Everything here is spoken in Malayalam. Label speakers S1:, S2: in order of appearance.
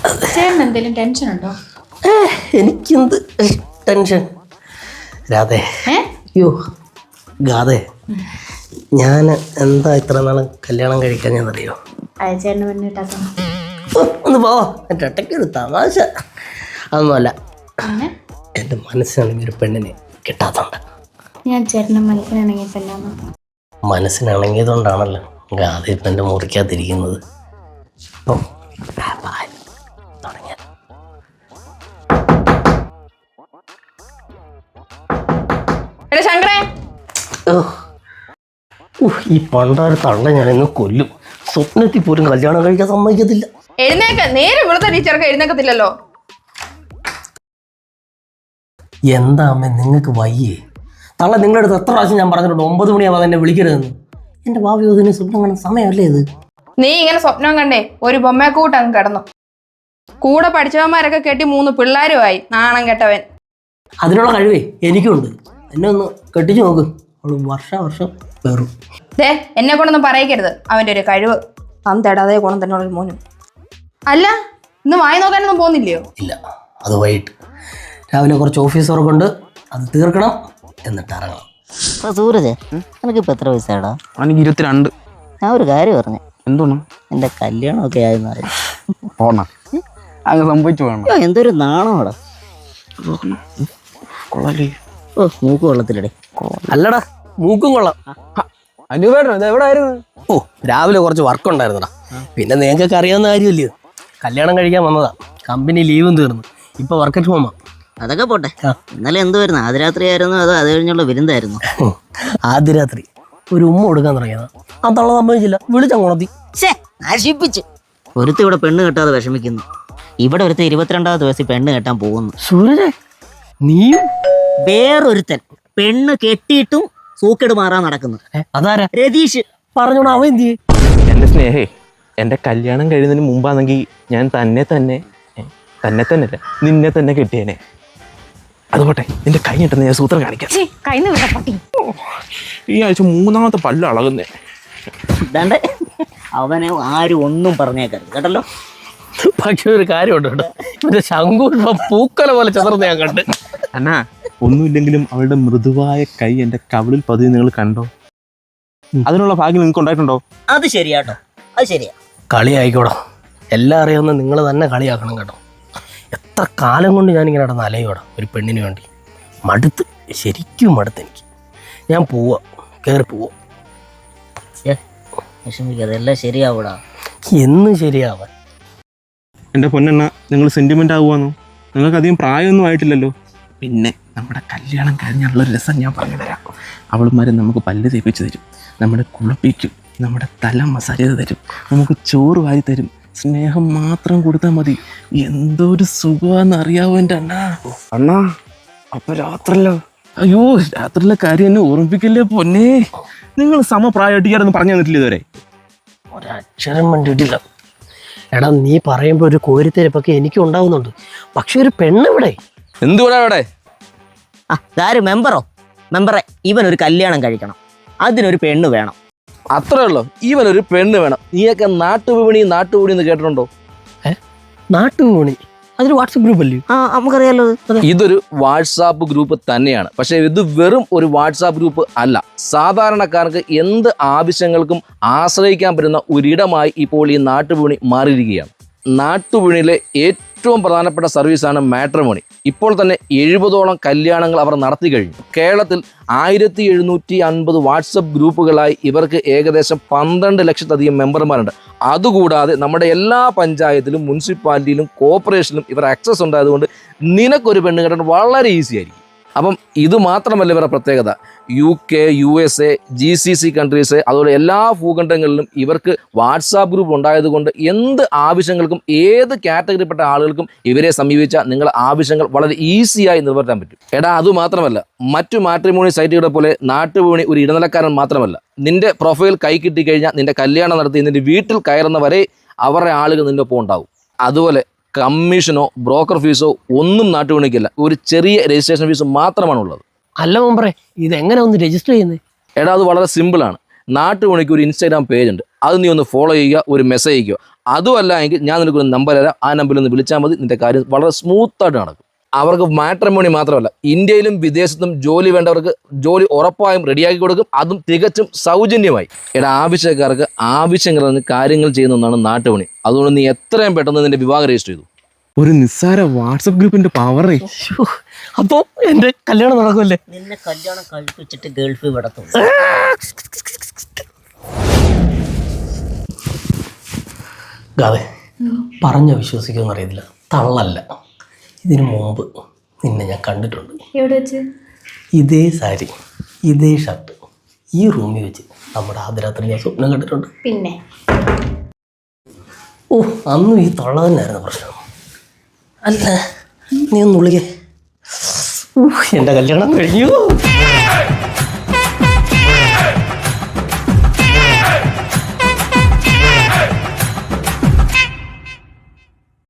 S1: ചേട്ടൻ എന്തെങ്കിലും ടെൻഷൻ ഉണ്ടോ?
S2: എനിക്കെന്ത് ടെൻഷൻ രാധേ? അയ്യോ ഗാഥേ, ഞാൻ എന്താ ഇത്ര നാൾ കല്യാണം കഴിക്കാൻ ഞാനറിയോ?
S1: ചേട്ടന് പെണ്ണ് കിട്ടാത്ത
S2: ഒന്ന് പോവാ, എൻ്റെ ഒറ്റയ്ക്കൊരു തമാശ. അതൊന്നുമല്ല, എൻ്റെ മനസ്സിനാണെങ്കിൽ ഒരു പെണ്ണിനെ കിട്ടാത്തതുണ്ട്.
S1: ഞാൻ ചേട്ടൻ്റെ മനസ്സിനാണെങ്കിൽ
S2: മനസ്സിനിണങ്ങിയതുകൊണ്ടാണല്ലോ ഗാഥ ഇപ്പം എൻ്റെ മുറിക്കാതിരിക്കുന്നത്. അപ്പം തുടങ്ങിയ ഈ പണ്ടാര് തള്ള ഞാനിന്ന് കൊല്ലും. സ്വപ്നത്തിൽ പോലും കല്യാണം കഴിക്കാൻ സമ്മതിക്കത്തില്ല.
S3: നേരെ ഇവിടുത്തെ ടീച്ചർക്ക് എഴുന്നേക്കത്തില്ലല്ലോ.
S2: എന്താ അമ്മ നിങ്ങൾക്ക് വയ്യേ? തള്ള നിങ്ങളുടെ അടുത്ത് എത്ര പ്രാവശ്യം ഞാൻ പറഞ്ഞിട്ടുണ്ട് 9 മണിയാവാതെ എന്നെ വിളിക്കരുതെന്ന്. എൻ്റെ ഭാവി അതിന് സ്വപ്നം കാണുന്ന സമയമല്ലേ ഇത്?
S3: നീ ഇങ്ങനെ സ്വപ്നം കണ്ടേ ഒരു ബൊമ്മക്കൂട്ട് അങ്ങ് കിടന്നു. കൂടെ പഠിച്ചവന്മാരൊക്കെ കെട്ടി 3 പിള്ളേരുമായി. നാണം കെട്ടവൻ.
S2: അതിനുള്ള കഴിവേ എനിക്കുണ്ട്. എന്നെ ഒന്ന് കെട്ടിച്ചു നോക്ക്, അവള് വർഷം വേറും.
S3: എന്നെ കൊണ്ടൊന്നും പറയിക്കരുത്. അവൻ്റെ ഒരു കഴിവ് തേടാതെ ഗുണം തന്നെ ഒരു മോനും. അല്ല, ഇന്ന് വായി നോക്കാനൊന്നും പോകുന്നില്ലയോ?
S2: ഇല്ല, അത് വൈകിട്ട് രാവിലെ കുറച്ച് ഓഫീസ് വർക്ക് ഉണ്ട്, അത് തീർക്കണം, എന്നിട്ട് ഇറങ്ങണം.
S4: സൂരജ്, എനിക്കിപ്പോൾ എത്ര വയസ്സാടാ?
S5: എനിക്ക് 22.
S4: ഞാൻ ഒരു കാര്യം പറഞ്ഞു.
S5: എന്തോണം?
S4: എൻ്റെ കല്യാണമൊക്കെ ആയെന്ന് പറഞ്ഞു.
S5: ഓണ അങ്ങ് സംഭവിച്ചു വേണം.
S4: എന്തൊരു നാണോടാ.
S5: കൊള്ളാലേ.
S4: ഓ, മൂക്ക് കൊള്ളത്തില്ലടേ.
S2: അല്ലടാ, മൂക്കും കൊള്ളാം.
S5: അനുവേട്ടൻ ഇത് എവിടെ ആയിരുന്നു?
S2: ഓ, രാവിലെ കുറച്ച് വർക്ക് ഉണ്ടായിരുന്നടാ. പിന്നെ നിങ്ങൾക്കൊക്കെ അറിയാവുന്ന കാര്യമല്ലയോ, കല്യാണം കഴിക്കാൻ വന്നതാ. കമ്പനി ലീവും തീർന്നു, ഇപ്പൊ വർക്ക് അറ്റ് ഹോമാ.
S4: അതൊക്കെ പോട്ടെ. ഇന്നലെ എന്തുവായിരുന്നു? ആദ്യരാത്രി ആയിരുന്നു അതോ അത് കഴിഞ്ഞുള്ള വിരുന്നായിരുന്നു?
S2: ആദ്യ രാത്രി ഒരു ഉമ്മ കൊടുക്കാൻ തുടങ്ങിയതാ. ആ തള്ള സമ്മതിച്ചില്ല, വിളിച്ചങ്ങോണത്തി.
S4: നശിപ്പിച്ച്. ഒരുത്തി ഇവിടെ പെണ്ണ് കെട്ടാതെ വിഷമിക്കുന്നു. ഇവിടെ ഒരുത്ത 22ാമത്തെ വയസ്സിൽ പെണ്ണ് കെട്ടാൻ പോകുന്നു.
S2: സൂരജ്, നീയും?
S4: വേറൊരുത്തൻ പെണ്ണ് കെട്ടിയിട്ടും സൂക്കേട് മാറാൻ നടക്കുന്നു.
S2: അതാരാ?
S4: രതീഷ്.
S2: പറഞ്ഞോടാ, അവൻ എന്ത് ചെയ്യും?
S5: എൻ്റെ സ്നേഹേ, എൻ്റെ കല്യാണം കഴിയുന്നതിന് മുമ്പാണെങ്കിൽ ഞാൻ തന്നെ അല്ല നിന്നെ തന്നെ കെട്ടിയേനെ. അതുപോട്ടെ, നിന്റെ കൈ കിട്ടുന്ന ഞാൻ സൂത്രം കാണിക്കാം. ഈ ആഴ്ച 3ാമത്തെ പല്ല് അളകുന്നേ.
S4: ഇതാണ്ട് അവനെ ആരും ഒന്നും പറഞ്ഞേക്കരുത് കേട്ടല്ലോ.
S2: പക്ഷെ ഒരു കാര്യമുണ്ട് കേട്ടോ, ഇവന്റെ ശംഖു പൂക്കല പോലെ ചെറുന്ന് ഞാൻ കണ്ട്.
S5: അന്നാ, ഒന്നുമില്ലെങ്കിലും അവളുടെ മൃദുവായ കൈ എൻ്റെ കവിളിൽ പതിവ് നിങ്ങൾ കണ്ടോ? അതിനുള്ള ഭാഗ്യം നിങ്ങൾക്ക് ഉണ്ടായിട്ടുണ്ടോ?
S4: അത് ശരിയാട്ടോ, അത് ശരിയാ.
S2: കളി ആയിക്കോടാ, എല്ലാം അറിയാവുന്ന നിങ്ങൾ തന്നെ കളിയാക്കണം കേട്ടോ. എത്ര കാലം കൊണ്ട് ഞാനിങ്ങനെ നടന്ന് അലയോടാ ഒരു പെണ്ണിന് വേണ്ടി. മടുത്ത്, ശരിക്കും മടുത്ത് എനിക്ക്. ഞാൻ പോവാ, കയറി പോവാ.
S4: വിഷമിക്കാതെ, എല്ലാം ശരിയാവൂടാ.
S2: എന്നും ശരിയാവാൻ.
S5: എൻ്റെ പൊന്നെണ്ണ, നിങ്ങൾ സെൻറ്റിമെൻ്റ് ആകുവാന്നോ? നിങ്ങൾക്ക് അധികം പ്രായമൊന്നും ആയിട്ടില്ലല്ലോ. പിന്നെ നമ്മുടെ കല്യാണം കഴിഞ്ഞുള്ളൊരു രസം ഞാൻ പറഞ്ഞു തരാം. അവളുമാരെ നമുക്ക് പല്ല് തേപ്പിച്ച് തരും, നമ്മുടെ കുളിപ്പിക്കും, നമ്മുടെ തല മസാജ് ചെയ്ത് തരും, നമുക്ക് ചോറ് വാരി തരും. സ്നേഹം മാത്രം കൊടുത്താൽ മതി. എന്തോ ഒരു സുഖമാണെന്ന് അറിയാവോ എൻ്റെ അണ്ണാ? അണ്ണാ, അപ്പൊ രാത്രിയല്ലോ? അയ്യോ, രാത്രിയിലെ കാര്യം എന്നെ ഓർമ്മിപ്പിക്കല്ലേ പൊന്നേ. നിങ്ങൾ സമപ്രായമായിട്ട് പറഞ്ഞു തന്നിട്ടില്ല ഇതുവരെ?
S2: ഒരക്ഷരം വേണ്ടിയിട്ടില്ല. എടാ, നീ പറയുമ്പോൾ ഒരു കോരിത്തേരപ്പൊക്കെ എനിക്കും ഉണ്ടാവുന്നുണ്ട്. പക്ഷെ ഒരു പെണ്ണിവിടെ
S5: എന്തുകൂടെ അവിടെ?
S4: ഇതാര് മെമ്പറെ, ഇവനൊരു കല്യാണം കഴിക്കണം, അതിനൊരു പെണ്ണ് വേണം.
S6: അത്രേ ഉള്ളൂ. ഇവനൊരു പെണ്ണ് വേണം. നീയൊക്കെ നാട്ടുവിപണി എന്ന് കേട്ടിട്ടുണ്ടോ?
S2: നാട്ടുവിപണി അതൊരു വാട്സപ്പ് ഗ്രൂപ്പ് അല്ലേ?
S4: നമുക്കറിയാലോ.
S6: ഇതൊരു വാട്സാപ്പ് ഗ്രൂപ്പ് തന്നെയാണ്. പക്ഷേ ഇത് വെറും ഒരു വാട്സാപ്പ് ഗ്രൂപ്പ് അല്ല. സാധാരണക്കാർക്ക് എന്ത് ആവശ്യങ്ങൾക്കും ആശ്രയിക്കാൻ പറ്റുന്ന ഒരിടമായി ഇപ്പോൾ ഈ നാട്ടുവിപണി മാറിയിരിക്കുകയാണ്. നാട്ടുവിപണിയിലെ ഏറ്റവും പ്രധാനപ്പെട്ട സർവീസാണ് മാട്രിമോണി. ഇപ്പോൾ തന്നെ 70ഓളം കല്യാണങ്ങൾ അവർ നടത്തി കഴിഞ്ഞു. കേരളത്തിൽ 1750 വാട്സപ്പ് ഗ്രൂപ്പുകളായി ഇവർക്ക് ഏകദേശം 12 ലക്ഷത്തിലധികം മെമ്പർമാരുണ്ട്. അതുകൂടാതെ നമ്മുടെ എല്ലാ പഞ്ചായത്തിലും മുനിസിപ്പാലിറ്റിയിലും കോർപ്പറേഷനിലും ഇവർ ആക്സസ് ഉണ്ടായതുകൊണ്ട് നിനക്കൊരു പെണ്ണ് കെട്ടാൻ വളരെ ഈസി ആയിരിക്കും. അപ്പം ഇത് മാത്രമല്ല ഇവരുടെ പ്രത്യേകത. UK, USA, GCC കൺട്രീസ്, അതുപോലെ എല്ലാ ഭൂഖണ്ഡങ്ങളിലും ഇവർക്ക് വാട്സാപ്പ് ഗ്രൂപ്പ് ഉണ്ടായതുകൊണ്ട് എന്ത് ആവശ്യങ്ങൾക്കും ഏത് കാറ്റഗറിപ്പെട്ട ആളുകൾക്കും ഇവരെ സമീപിച്ചാൽ നിങ്ങളുടെ ആവശ്യങ്ങൾ വളരെ ഈസിയായി നിറവേറ്റാൻ പറ്റും. എടാ, അതുമാത്രമല്ല, മറ്റു മാട്രിമോണി സൈറ്റുകളെ പോലെ നാട്ടുവിപണി ഒരു ഇടനിലക്കാരൻ മാത്രമല്ല. നിന്റെ പ്രൊഫൈൽ കൈ കിട്ടിക്കഴിഞ്ഞാൽ നിന്റെ കല്യാണം നടത്തി നിന്റെ വീട്ടിൽ കയറുന്ന വരെ അവരുടെ ആളുകൾ നിന്റെ ഒപ്പം ഉണ്ടാവും. അതുപോലെ കമ്മീഷനോ ബ്രോക്കർ ഫീസോ ഒന്നും നാട്ടുവിപണിക്കില്ല. ഒരു ചെറിയ രജിസ്ട്രേഷൻ ഫീസ് മാത്രമാണുള്ളത്.
S2: അല്ല മെമ്പറെ, ഇതെങ്ങനെ ഒന്ന് രജിസ്റ്റർ ചെയ്യുന്നത്?
S6: എടാ, അത് വളരെ സിമ്പിളാണ്. നാട്ടുവിപണിക്ക് ഒരു ഇൻസ്റ്റാഗ്രാം പേജ് ഉണ്ട്. അത് നീ ഒന്ന് ഫോളോ ചെയ്യുക, ഒരു മെസ്സേജ് അയക്കുക. അതുമല്ല എങ്കിൽ ഞാൻ നിനക്കൊരു നമ്പർ തരാം, ആ നമ്പറിൽ ഒന്ന് വിളിച്ചാൽ മതി, നിന്റെ കാര്യം വളരെ സ്മൂത്തായിട്ട് നടക്കും. അവർക്ക് മാട്രിമോണി മാത്രമല്ല, ഇന്ത്യയിലും വിദേശത്തും ജോലി വേണ്ടവർക്ക് ജോലി ഉറപ്പായും റെഡിയാക്കി കൊടുക്കും, അതും തികച്ചും സൗജന്യമായി. ആവശ്യക്കാർക്ക് ആവശ്യങ്ങൾ കാര്യങ്ങൾ ചെയ്യുന്ന ഒന്നാണ് നാട്ടുപണി. അതുകൊണ്ട് നീ എത്രയും പെട്ടെന്ന് നിന്റെ വിവാഹം രജിസ്റ്റർ ചെയ്തു.
S5: ഒരു നിസ്സാര വാട്സപ്പ് ഗ്രൂപ്പിന്റെ പവറേ.
S2: അപ്പോൾ എൻ്റെ കല്യാണം നടക്കുമല്ലേ?
S4: നിന്നെ കല്യാണം കഴിപ്പിച്ചിട്ട് ഗൾഫിൽ വിടത്തുള്ളൂ.
S2: ഗാവേ, പറഞ്ഞ വിശ്വസിക്കുമെന്ന് അറിയത്തില്ല, തള്ളല്ല. ഇതിനു മുമ്പ് നിന്നെ ഞാൻ കണ്ടിട്ടുണ്ട്.
S1: എവിടെ വെച്ച്?
S2: ഇതേ സാരി, ഇതേ ഷർട്ട്, ഈ റൂമിൽ വെച്ച് നമ്മുടെ ആദ്യരാത്രി ഞാൻ സ്വപ്നം കണ്ടിട്ടുണ്ട്.
S1: പിന്നെ
S2: ഓ, അന്നും ഈ തള്ള തന്നെയായിരുന്നു പ്രശ്നം. അല്ല, നീ ഒന്ന് ഉള്ളിക്കേ. എൻ്റെ കല്യാണം കഴിഞ്ഞു.